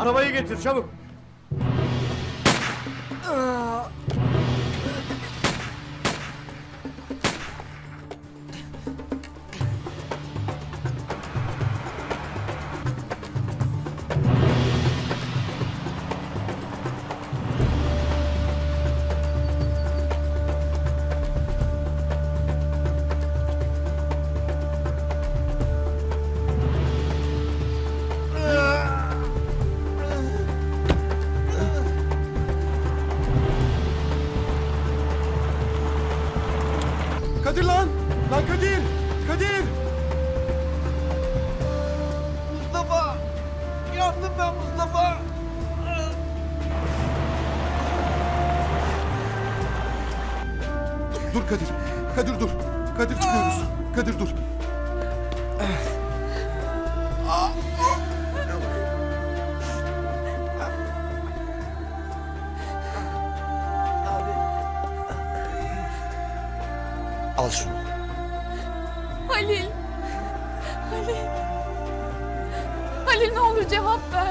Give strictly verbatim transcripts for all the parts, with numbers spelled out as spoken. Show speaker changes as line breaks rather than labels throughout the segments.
Arabayı getir çabuk.
Kadir lan! Lan Kadir! Kadir!
Mustafa! Yandım ben Mustafa!
Dur Kadir! Kadir dur! Kadir çıkıyoruz! Kadir dur!
Al şunu.
Halil. Halil. Halil ne olur cevap ver.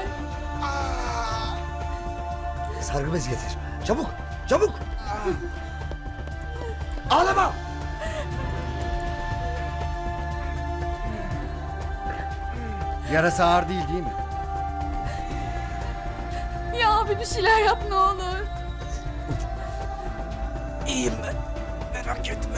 Sargı bezi getir. Çabuk! Çabuk! Ağlama!
Yarası ağır değil değil mi?
Ya abi bir şeyler yap ne olur.
İyiyim ben. Merak etme.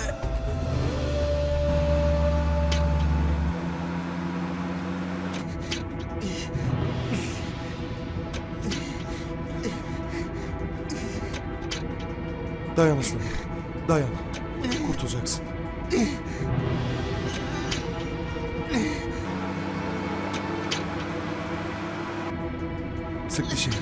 Dayan aslanım. Dayan. Kurtulacaksın. Sık dişini.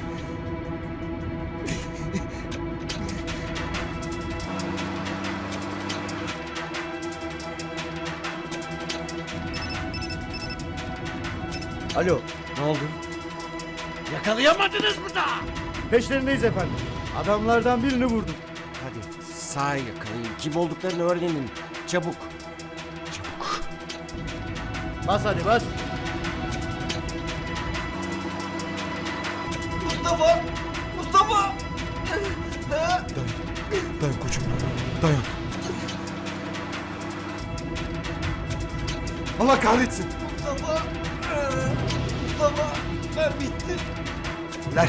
Alo, ne oldu?
Yakalayamadınız mı da?
Peşlerindeyiz efendim. Adamlardan birini vurdum.
Hadi sağ yakalayın. Kim olduklarını öğrenin. Çabuk. Çabuk.
Bas hadi bas.
Mustafa! Mustafa!
Dayan. Dayan koçum. Dayan. Allah kahretsin.
Mustafa! Mustafa! Ben bittim.
Ver.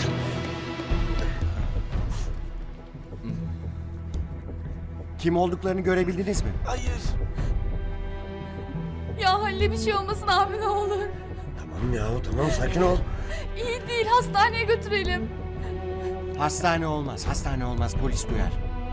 Kim olduklarını görebildiniz mi?
Hayır.
Ya Halil'e bir şey olmasın abi ne olur.
Tamam ya tamam sakin ol.
İyi değil hastaneye götürelim.
Hastane olmaz. Hastane olmaz. Polis duyar.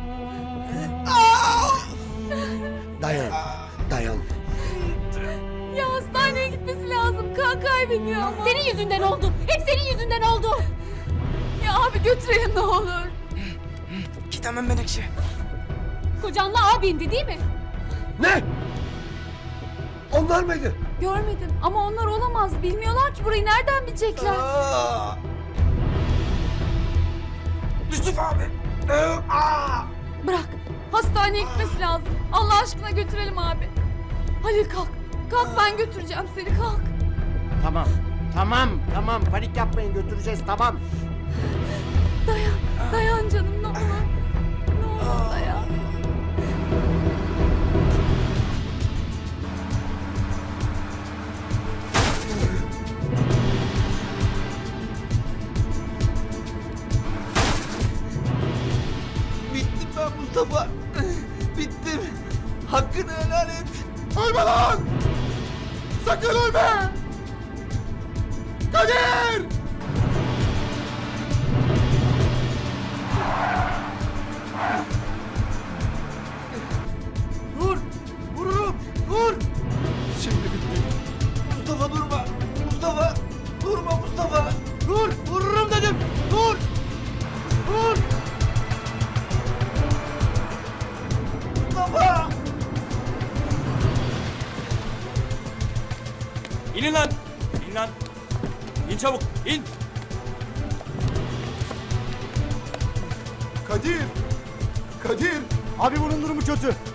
Dayan. Dayan.
Ya hastaneye gitmesi lazım. Kan kaybediyor ama.
Senin yüzünden oldu. Hep senin yüzünden oldu.
Ya abi götürelim ne olur.
Gidemem Menekşe.
Kocanla abindi değil mi?
Ne? Onlar mıydı?
Görmedim ama onlar olamaz. Bilmiyorlar ki burayı nereden bilecekler.
Aa! Yusuf abi! Ee, aa!
Bırak. Hastaneye gitmesi lazım. Allah aşkına götürelim abi. Halil kalk. Kalk ben götüreceğim seni kalk.
Tamam. Tamam. Tamam. Panik yapmayın. Götüreceğiz. Tamam.
Dayan. Dayan canım ne olur. Ne olur dayan.
Bittim ben Mustafa. Bittim. Hakkını helal et.
Ölme lan! Sakın ölme! Kadir!
Dur! Vururum! Dur!
Şimdi bitti.
Mustafa durma. Mustafa. Durma Mustafa.
Dur! Vururum dedim! Dur! Dur!
Mustafa.
İnin lan! İn lan! İn çabuk! İn!
Kadir! Kadir!
Abi bunun durumu kötü.